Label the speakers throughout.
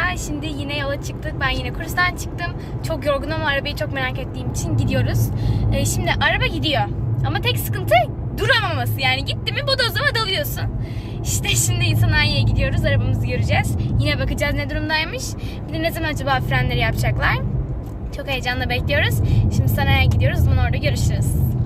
Speaker 1: Şimdi yine yola çıktık. Ben yine kurstan çıktım. Çok yorgunum ama arabayı çok merak ettiğim için gidiyoruz. Şimdi araba gidiyor. Ama tek sıkıntı duramaması. Yani gitti mi bodozlama dalıyorsun. İşte şimdi sanayiye gidiyoruz. Arabamızı göreceğiz. Yine bakacağız ne durumdaymış. Bir de ne zaman acaba frenleri yapacaklar. Çok heyecanla bekliyoruz. Şimdi sanayiye gidiyoruz. Bunu orada görüşürüz.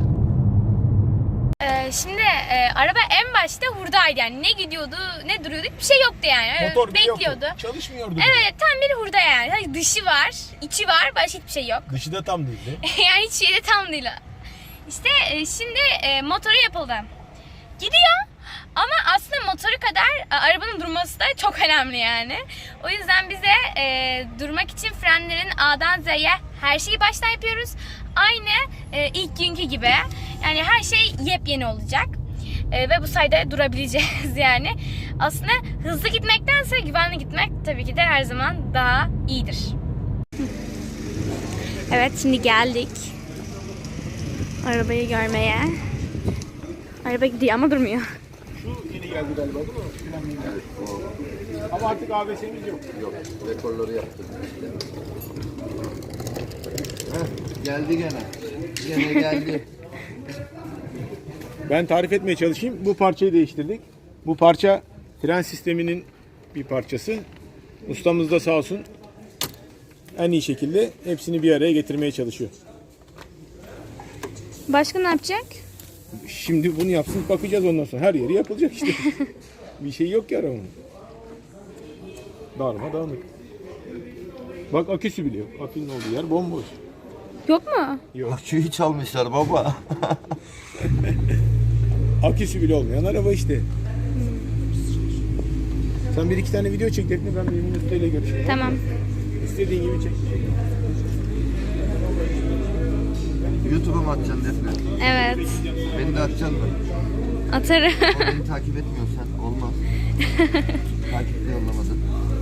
Speaker 1: Şimdi araba en başta hurdaydı, yani ne gidiyordu ne duruyordu, bir şey yoktu yani.
Speaker 2: Motor
Speaker 1: bekliyordu.
Speaker 2: Yoktu. Çalışmıyordu.
Speaker 1: Evet, tam bir hurda yani. Hani dışı var, içi var, başka hiçbir şey yok.
Speaker 2: Dışı da tam değildi.
Speaker 1: Yani hiç şey de tam değil. İşte şimdi motoru yapıldı. Gidiyor ama aslında motoru kadar arabanın durması da çok önemli yani. O yüzden bize durmak için frenlerin A'dan Z'ye her şeyi baştan yapıyoruz. Aynı ilk günkü gibi. Yani her şey yepyeni olacak. Ve bu sayede durabileceğiz yani. Aslında hızlı gitmektense güvenli gitmek tabii ki de her zaman daha iyidir. Evet, şimdi geldik arabayı görmeye. Araba gidiyor ama durmuyor.
Speaker 2: Şu yeni geldi galiba değil mi? Evet, ama artık ABS'miz yok.
Speaker 3: Yok, rekorları yaptık işte. Geldi gene. Gene geldi.
Speaker 2: Ben tarif etmeye çalışayım. Bu parçayı değiştirdik. Bu parça fren sisteminin bir parçası. Ustamız da sağ olsun en iyi şekilde hepsini bir araya getirmeye çalışıyor.
Speaker 1: Başka ne yapacak?
Speaker 2: Şimdi bunu yapsın, bakacağız ondan sonra. Her yeri yapılacak işte. Bir şey yok ki arabanın. Darmadağınık. Bak aküsü bile yok. Akünün olduğu yer bomboş.
Speaker 1: Yok mu?
Speaker 2: Yok.
Speaker 3: Aküyü çalmışlar baba.
Speaker 2: Aküsü bile olmayan araba işte. Sen bir iki tane video çek Defne, ben bir Emin Usta ile görüşeyim.
Speaker 1: Tamam.
Speaker 2: İstediğin gibi çek.
Speaker 3: YouTube'a mı atacaksın Defne?
Speaker 1: Evet.
Speaker 3: Beni de atacaksın mı?
Speaker 1: Atarım.
Speaker 3: O beni takip etmiyorsan olmaz. Takip de yollamadın.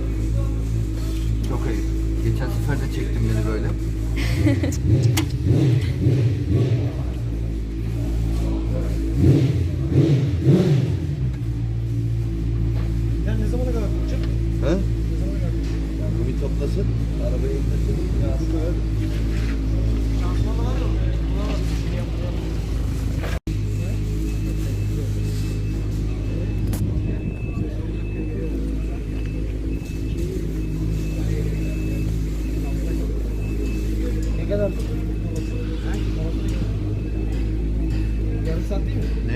Speaker 3: Çok ayıp. Geçen sefer de çektin beni böyle.
Speaker 2: Ya ne zamana kadar duracak?
Speaker 3: He? Bu bir toplasın. Arabayı indirsin. Ya bu kadar.
Speaker 2: Ne kadar? Yarım saat değil mi?
Speaker 3: Ne?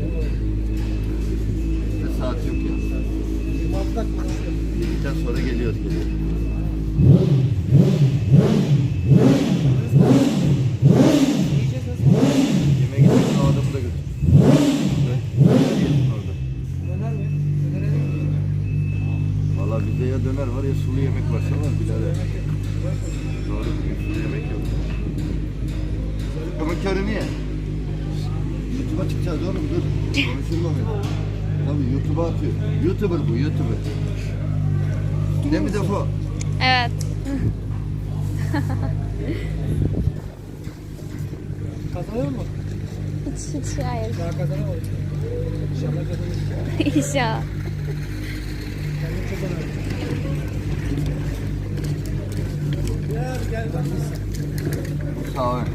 Speaker 3: Ne saat yok ya.
Speaker 2: 26 dakika.
Speaker 3: Yedikten sonra geliyoruz. Yemeğe gitmek o adamı da götür. Yiyesin orada.
Speaker 2: Döner mi? Döner mi?
Speaker 3: Valla bizde ya döner var ya sulu yemek var. Sen var birader. Doğru, bugün sulu yemek yok. Ama körü niye? YouTube'a çıkacağız oğlum, dur. Konuşulma beni. Tabii YouTube'a atıyor. YouTuber bu, YouTuber. Ne mi defo?
Speaker 1: Evet.
Speaker 2: Kazanıyor mu?
Speaker 1: Hiç hayır.
Speaker 2: Daha kazanamadık. İnşallah kazanırız.
Speaker 1: İnşallah.
Speaker 2: Kendimi çok önemli. Gel bak biz.
Speaker 3: Bu sağ ön.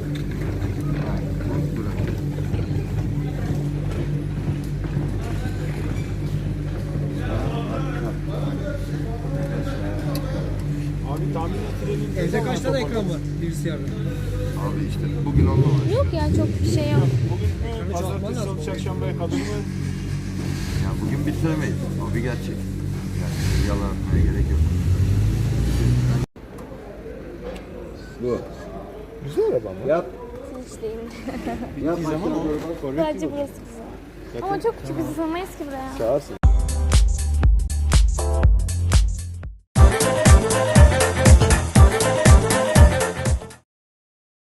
Speaker 2: Abi tahmin ettirelim. Evde kaç tane ekran var bilgisayarda?
Speaker 3: Abi işte bugün onunla uğraşıyor.
Speaker 1: Yok ya, çok bir şey yok.
Speaker 2: Bugün pazartesi, salı, çarşambaya kadar mı?
Speaker 3: Ya bugün bitiremeyiz. O bir gerçek. Yani yalan atmaya gerek yok. Bu.
Speaker 2: Güzel araba ama.
Speaker 3: Yap.
Speaker 1: Hiç değil.
Speaker 3: Yap.
Speaker 2: Bir zaman o.
Speaker 1: Sadece burası güzel. Ama çok küçük, biz sığmayız ki buraya.
Speaker 2: Çağırsın.